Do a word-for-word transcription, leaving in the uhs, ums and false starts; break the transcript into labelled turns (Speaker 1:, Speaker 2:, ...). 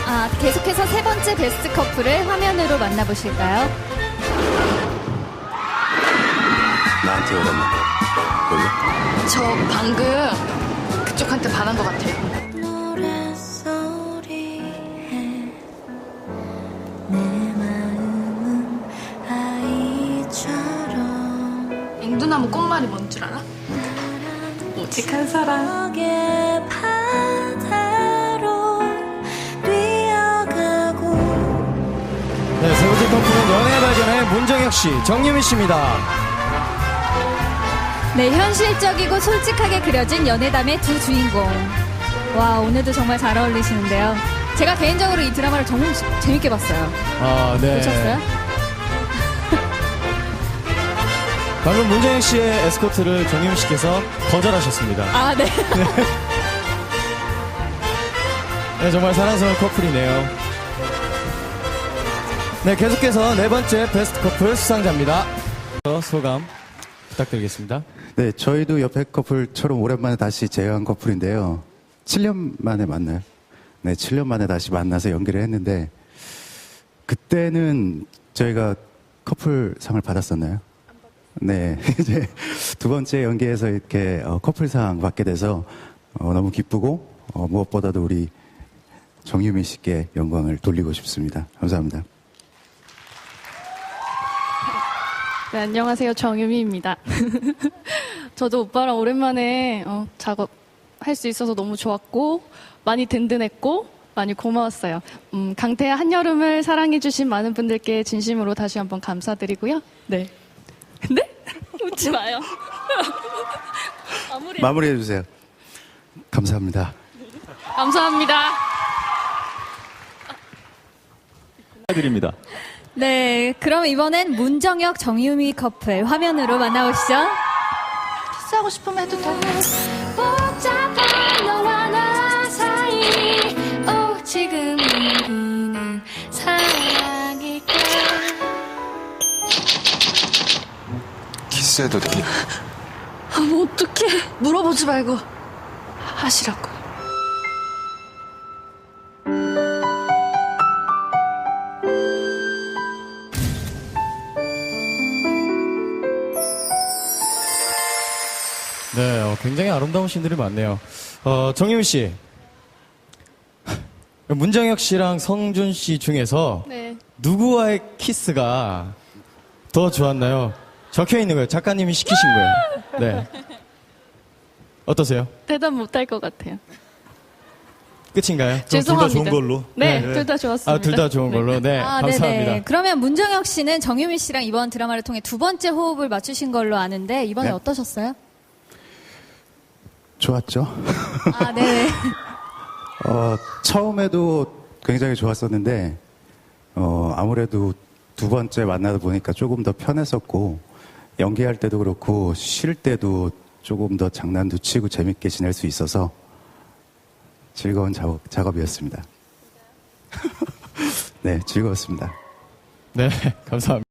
Speaker 1: 아, 계속해서 세 번째 베스트 커플을 화면으로 만나보실까요?
Speaker 2: 나한테 오랬나? 여기?
Speaker 3: 저 방금 그쪽한테 반한 것 같아요. 앵두나무 꽃말이 뭔 줄 알아? 오직한 사랑.
Speaker 4: 네, 세 번째 커플은 연애 발견의 문정혁 씨, 정유미 씨입니다.
Speaker 1: 네, 현실적이고 솔직하게 그려진 연애담의 두 주인공. 와, 오늘도 정말 잘 어울리시는데요. 제가 개인적으로 이 드라마를 정말 재밌게 봤어요.
Speaker 4: 아, 네.
Speaker 1: 보셨어요?
Speaker 4: 방금 문정혁 씨의 에스코트를 정유미 씨께서 거절하셨습니다.
Speaker 1: 아, 네.
Speaker 4: 네, 정말 사랑스러운 커플이네요. 네, 계속해서 네 번째 베스트 커플 수상자입니다. 소감 부탁드리겠습니다.
Speaker 2: 네, 저희도 옆에 커플처럼 오랜만에 다시 재회한 커플인데요. 칠 년 만에 만나요. 네, 칠 년 만에 다시 만나서 연기를 했는데, 그때는 저희가 커플상을 받았었나요? 네, 이제 두 번째 연기에서 이렇게 어, 커플상 받게 돼서 어, 너무 기쁘고, 어, 무엇보다도 우리 정유미 씨께 영광을 돌리고 싶습니다. 감사합니다.
Speaker 5: 네, 안녕하세요. 정유미입니다. 저도 오빠랑 오랜만에 어, 작업할 수 있어서 너무 좋았고 많이 든든했고 많이 고마웠어요. 음, 강태야 한여름을 사랑해주신 많은 분들께 진심으로 다시 한번 감사드리고요. 네. 네? 웃지 마요. 마무리.
Speaker 2: 마무리해 주세요. 감사합니다.
Speaker 5: 감사합니다.
Speaker 4: 드립니다.
Speaker 1: 네, 그럼 이번엔 문정혁, 정유미 커플 화면으로 만나보시죠.
Speaker 3: 키스하고 싶으면 해도 돼.
Speaker 6: 복잡한 너와 나 사이 오지금 우리는 사랑일까.
Speaker 2: 키스해도 되니?
Speaker 3: 아, 뭐 어떡해. 물어보지 말고 하시라고.
Speaker 4: 네, 어, 굉장히 아름다운 신들이 많네요. 어, 정유미 씨. 문정혁 씨랑 성준 씨 중에서
Speaker 5: 네.
Speaker 4: 누구와의 키스가 더 좋았나요? 적혀 있는 거예요. 작가님이 시키신 거예요. 네. 어떠세요?
Speaker 5: 대답 못할 것 같아요.
Speaker 4: 끝인가요?
Speaker 5: 죄송합니다.
Speaker 4: 둘 다 좋은 걸로.
Speaker 5: 네,
Speaker 4: 네.
Speaker 5: 둘 다 좋았습니다.
Speaker 4: 아, 둘 다 좋은 걸로. 네,
Speaker 1: 아,
Speaker 4: 감사합니다.
Speaker 1: 네네. 그러면 문정혁 씨는 정유미 씨랑 이번 드라마를 통해 두 번째 호흡을 맞추신 걸로 아는데 이번에
Speaker 2: 네.
Speaker 1: 어떠셨어요?
Speaker 2: 좋았죠?
Speaker 1: 아, 네.
Speaker 2: 어, 처음에도 굉장히 좋았었는데, 어, 아무래도 두 번째 만나다 보니까 조금 더 편했었고, 연기할 때도 그렇고, 쉴 때도 조금 더 장난도 치고 재밌게 지낼 수 있어서 즐거운 작업, 작업이었습니다. 네, 즐거웠습니다.
Speaker 4: 네, 감사합니다.